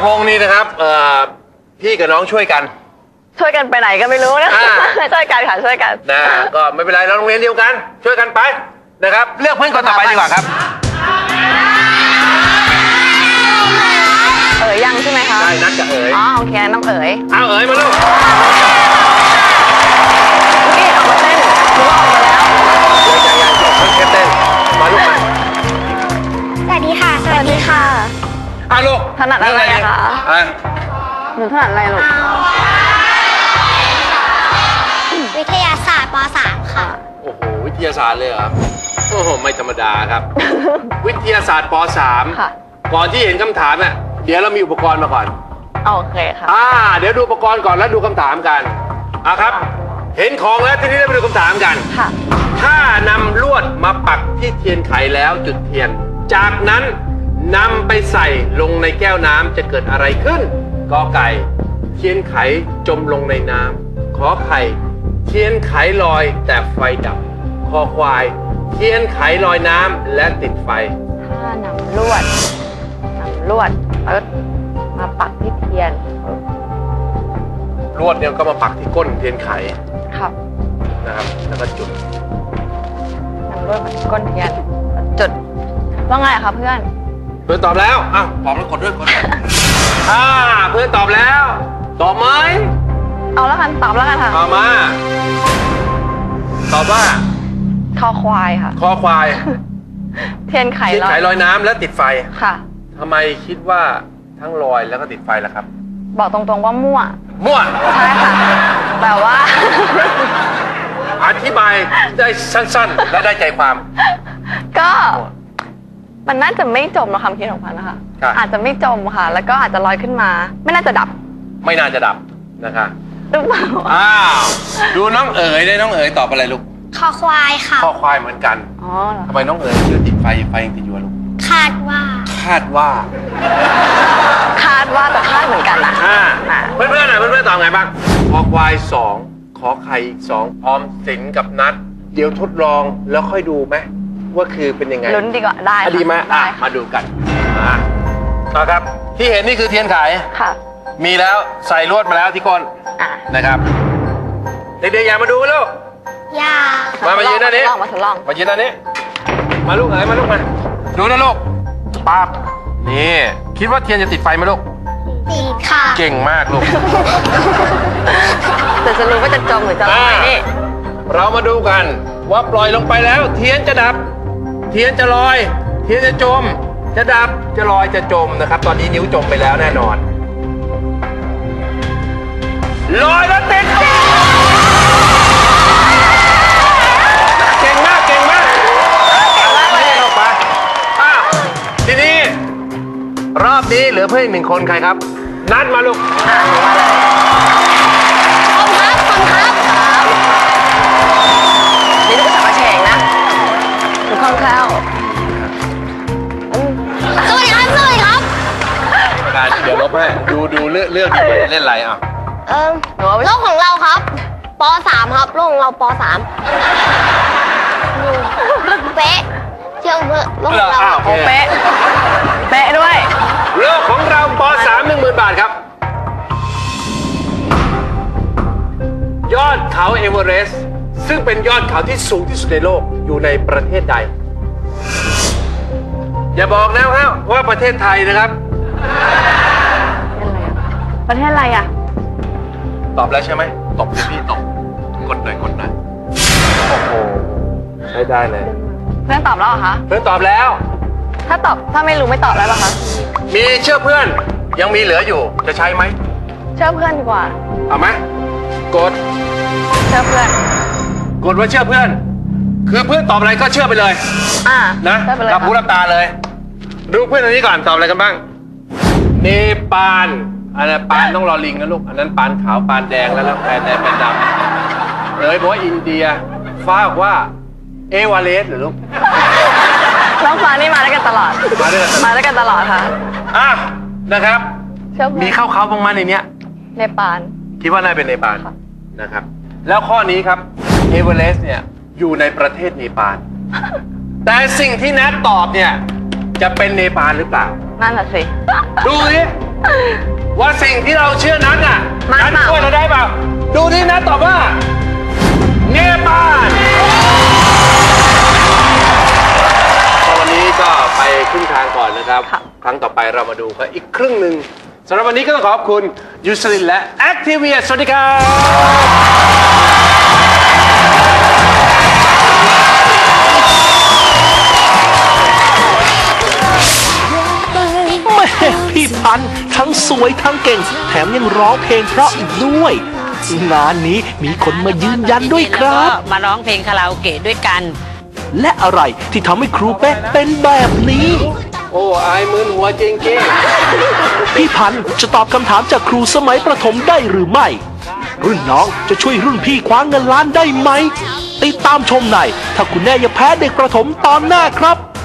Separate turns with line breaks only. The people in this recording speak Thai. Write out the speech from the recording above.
งนี่นะครับพี่กับน้องช่วยกัน
ไปไหนก็ไม่รู้นะช่วยกันค่ะช่วยกัน
นะก็ไม่เป็นไรเราโรงเรียนเดียวกันช่วยกันไปนะครับเลือกเพื่อนคนต่อไปดีกว่าครับ
ยังใช่ไหมคะ
ใช่นัดกับ
อ๋อโอเคน้อง
เอามาลูก
นี่ออกมาเต้นรู้ว่าออกมาแล้ว
ยังจบเพิ่งแค่เต้นมาลูกมา
สวัสดีค่ะ
สวัสดีค่ะ
ลูก
ถนัดอะไรคะหนูถนัดอะไรลูก
วิทยาศาสตร์ป .3 ค่ะ
โอ้โหวิทยาศาสตร์เลยเหรอโอ้โหไม่ธรรมดาครับ วิทยาศาสตร์ป .3 ก่อนที่เห็นคำถามเนี่ยเดี๋ยวเรามีอุปกรณ์มาก่อน
โอเคค่ะ
เดี๋ยวดูอุปกรณ์ก่อนแล้วดูคำถามกันครับเห็นของแล้วทีนี้เราไปดูคำถามกัน
ค่ะ
ถ้านำลวดมาปักที่เทียนไขแล้วจุดเทียนจากนั้นนำไปใส่ลงในแก้วน้ำจะเกิดอะไรขึ้นกอไก่เทียนไขจมลงในน้ำขอไข่เทียนไขลอยแต่ไฟดับคอควายเทียนไขลอยน้ำและติดไฟ
ถ้านำลวดแล้วมาปักที่เทียน
ลวดเนี่ยก็มาปักที่ก้นเทียนไข
ครับ
นะครับแล้วก็จุด
นำลวดมาที่ก้นเทียนจุดว่าไงคะเพื่อน
ตอบแล้วตอบแล้วกดด้วยเพื่อนตอบแล้วตอบไหม
เอาแล้วกันตอบแล้วกันค่ะ
มาตอบว่า
คอควายค่ะ
คอควาย
เทียนไข
ลอยน้ำและติดไฟ
ค่ะ
ทำไมคิดว่าทั้งลอยแล้วก็ติดไฟล่ะครับ
บอกตรงๆว่ามั่วใช่ค่ะแต่ว่า
อธิบายได้สั้นๆและได้ใจความ
ก็มันน่าจะไม่จมนะคำคิดของพันนะคะอาจจะไม่จมค่ะแล้วก็อาจจะลอยขึ้นมาไม่น่าจะดับ
นะคะ
ดูเปล่า
ดูน้องเอ๋ยได้น้องเอ๋ยตอบอะไรลูก
คอควายค่ะ
คอควายเหมือนกันทำไมน้องเอ๋ยชื่อติดไฟยังติดอยู่ลูก
คาดว่า
แต่คาดเหมือนกันนะ
เพื่อนตอบไงบ้างคอควาย2ขอไข่อีก2ออมสินกับนัดเดี๋ยวทดลองแล้วค่อยดูไหมว่าคือเป็นยังไง
ลุ้นดีกว่าได้
ดีไหมมาดูกันครับที่เห็นนี่คือเทียนไข
ค่ะ
มีแล้วใส่ลวดมาแล้วที่ก้นนะครับเด็กๆอย่ามาดูลูกมายืนด้านนี้มายืนด้านนี้มาลูกมาลูกมาดูนะลูกปั๊บนี่คิดว่าเทียนจะติดไฟไหมลูก
ติดค่ะ
เก่งมากลูก
แต่จะรู้ว่าจะจมหรือจะลอยนี่
เรามาดูกันว่าปล่อยลงไปแล้วเทียนจะดับเทียนจะลอยเทียนจะจมจะดับจะลอยจะจมนะครับตอนนี้นิ้วจมไปแล้วแน่นอนลอยแล้วติดเก่งมากนี่ออกไปทีนี้รอบนี้เหลือเพื่อนอีก1 คนใครครับนัดมาลูก
ครับ
นี่ลูกจับมาแฉงนะหนูคล่องแคล่ว
สวัสดีครับ
เดี๋ยวลบให้ดูเลือกเล่นอะไร
โลกของเราครับป .3 ครับโลกของเราป .3 เป๊ะเชื่อเถอะโลกของเรา
เป๊ะด้วย
โลกของเราป .3 10,000 บาทครับยอดเขาเอเวอเรสต์ซึ่งเป็นยอดเขาที่สูงที่สุดในโลกอยู่ในประเทศใดอย่าบอกนะว่าประเทศไทยนะครับ
ประเทศอะไร
ตอบแล้วใช่ไหมตบพี่ตบกดหน่อยโอ้โหใช้ได้เลย
เพื่อนตอบแล้วเหรอคะ
เพื่อนตอบแล้ว
ถ้าไม่รู้ไม่ตอบแล้วหรอคะ
มีเชื่อเพื่อนยังมีเหลืออยู่จะใช้ไหม
เชื่อเพื่อนดีกว่า
เอาไหมกด
เชื่อเพื่อน
กดว่าเชื่อเพื่อนคือเพื่อนตอบอะไรก็เชื่อไปเลยนะรับหูรับตาเลยดูเพื่อนอันนี้ก่อนตอบอะไรกันบ้างเนปาลอันนั้นปานต้องรอลิงนะลูกอันนั้นปานขาวปานแดงแล้วแปนแดงแปนดำบอกว่าอินเดียฟ้าบอกว่าเอวาเรสต์หรือลูก
น้องฟ้านี่มาด้วยกันตลอดค่ะ
นะครับมีเข้าบ้างไหมในเนี้ย
เนปาล
คิดว่าน่าเป็นเนปาลนะครับแล้วข้อนี้ครับเอเวอเรสต์เนี่ยอยู่ในประเทศเนปาลแต่สิ่งที่แนทตอบเนี่ยจะเป็นเนปาลหรือเปล่า
นั่นแหละสิ
ดูสิว่าสิ่งที่เราเชื่อนั้นน่ะ
มัน
นั้น
เปล่า
ช่วยเราได้เปล่าดูนี่นะตอบว่าเนปาลวันนี้ก็ไปครึ่งทางก่อนนะครับ ครั้งต่อไปเรามาดูกันอีกครึ่งหนึ่งสำหรับวันนี้ก็ต้องขอบคุณยูสลินและแอคทีเวียสวัสดีครับ
แม่พี่พันธุ์ทั้งสวยทั้งเก่ง แถมยังร้องเพลงเพราะอีกด้วย งานนี้มีคนมายืนยันด้วยครับ
มาร้องเพลงคาราโอเกะด้วยกัน
และอะไรที่ทำให้ครูเป๊ะเป็นแบบนี้
โอ้อายมึนหัวจริง
พี่พันธุ์จะตอบคำถามจากครูสมัยประถมได้หรือไม่ รุ่นน้องจะช่วยรุ่นพี่คว้าเงินล้านได้ไหม ติดตามชมในถ้าคุณแน่อย่าแพ้เด็กประถมตอนหน้าครับ